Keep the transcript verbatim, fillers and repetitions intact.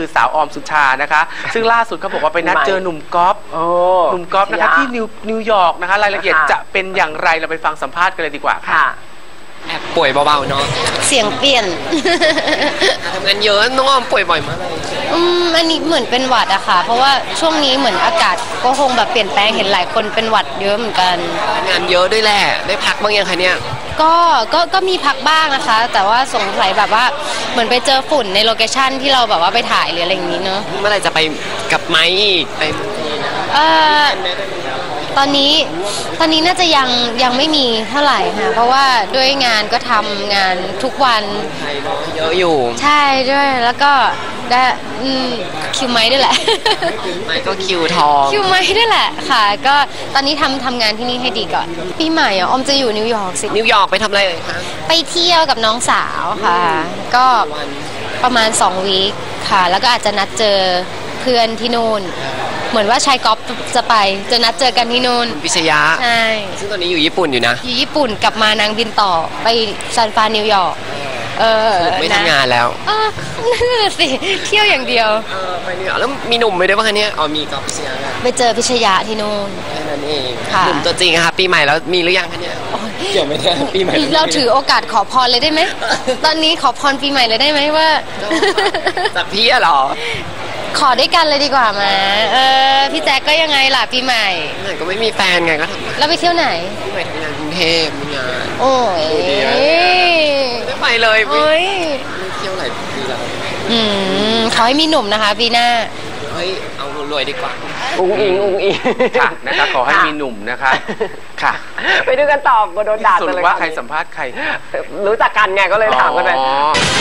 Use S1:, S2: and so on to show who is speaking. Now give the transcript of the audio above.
S1: สาวออมสุชานะคะซึ่งล่าสุดเขาบอกว่าไปนัดเจอหนุ่มก๊อฟหนุ่มก๊อฟนะคะที่นิวนิวยอร์กนะคะรายละเอียดจะเป็นอย่างไรเราไปฟังสัมภาษณ์กันเลยดีกว่าค่ะ
S2: แอบป่วยเบาๆเนาะ
S3: เสียงเปลี่ยน
S2: ทำงานเยอะน้องออมป่วยบ่อยมากเลย
S3: อืมอันนี้เหมือนเป็นหวัดอะค่ะเพราะว่าช่วงนี้เหมือนอากาศก็คงแบบเปลี่ยนแปลงเห็นหลายคนเป็นหวัดเยอะเหมือนกัน
S2: งานเยอะด้วยแหละได้พักบ้างยังคะเนี่ย
S3: ก็ก็ก็มีพักบ้างนะคะแต่ว่าสงสัยแบบว่าเหมือนไปเจอฝุ่นในโลเคชั่นที่เราแบบว่าไปถ่ายหรืออะไรอย่างนี้เนาะ
S2: เมื่อไหร่จะไปกับไม้อีกไป
S3: เอ่อตอนนี้ตอนนี้น่าจะยังยังไม่มีเท่าไหร่ค่ะเพราะว่าด้วยงานก็ทำงานทุกวัน
S2: เยอะอยู่
S3: ใช่ด้วยแล้วก็ได้คิวไม้ด้วยแหละ
S2: ไม้ก็คิวทอง
S3: คิวไม้ด้วยแหละค่ะก็ตอนนี้ทำทำงานที่นี่ให้ดีก่อนปีใหม่อ่ะออมจะอยู่นิวยอร์กสิ
S2: นิวยอร์กไปทำอะไรเลยคะ
S3: ไปเที่ยวกับน้องสาวค่ะก็ประมาณสองวีคค่ะแล้วก็อาจจะนัดเจอเพื่อนที่นู่นเหมือนว่าชายก๊อฟจะไปจะนัดเจอกันที่นู่น
S2: พิชยะ
S3: ใช่
S2: ซึ่งตอนนี้อยู่ญี่ปุ่นอยู่นะ
S3: อยู่ญี่ปุ่นกลับมานางบินต่อไปซานฟรานนิวยอร์กเออ
S2: ไม่ทำงานแล้ว
S3: เออนั่นแหละสิเที่ยวอย่างเดียว
S2: เออไปนิวยอร์กแล้วมีหนุ่มไปด้วยป่ะคะเนี่ยอ๋อมีก๊อฟพิชยะ
S3: ไปเจอพิชยะที่นู่น
S2: แค่นั้นเองหนุ่มตัวจริงค่ะปีใหม่แล้วมีหรือยังคะเนี่ยเกี่ยวไม่ได้ปีใหม่
S3: เราถือโอกาสขอพรเลยได้ไหมตอนนี้ขอพรปีใหม่เลยได้ไหมว่า
S2: จากพี่อะหรอ
S3: ขอด้วยกันเลยดีกว่ามาเออพี่แจ๊กก็ยังไงล่ะปีใหม่
S2: ไหนก็ไม่มีแฟนไงก็ทำ
S3: แล้วไปเที่ยวไหน
S2: ปีใหม่ทำงานกรุงเทพมีงาน
S3: โอ้ย
S2: ไม่ไปเลย
S3: โอ้ย
S2: ไม่เที่ยวหลายปีแล้ว
S3: อืมขอให้มีหนุ่มนะคะปีหน้า
S2: เฮ้ยเอารวยดีกว่า
S1: อุ้งอิงอุ้งอิงค่ะนะคะขอให้มีหนุ่มนะคะค่ะ
S2: ไปดูกันต่อโดนด่า
S1: เลยว่าใครสัมภาษณ์ใคร
S2: รู้จักกันไงก็เลยถามกันไป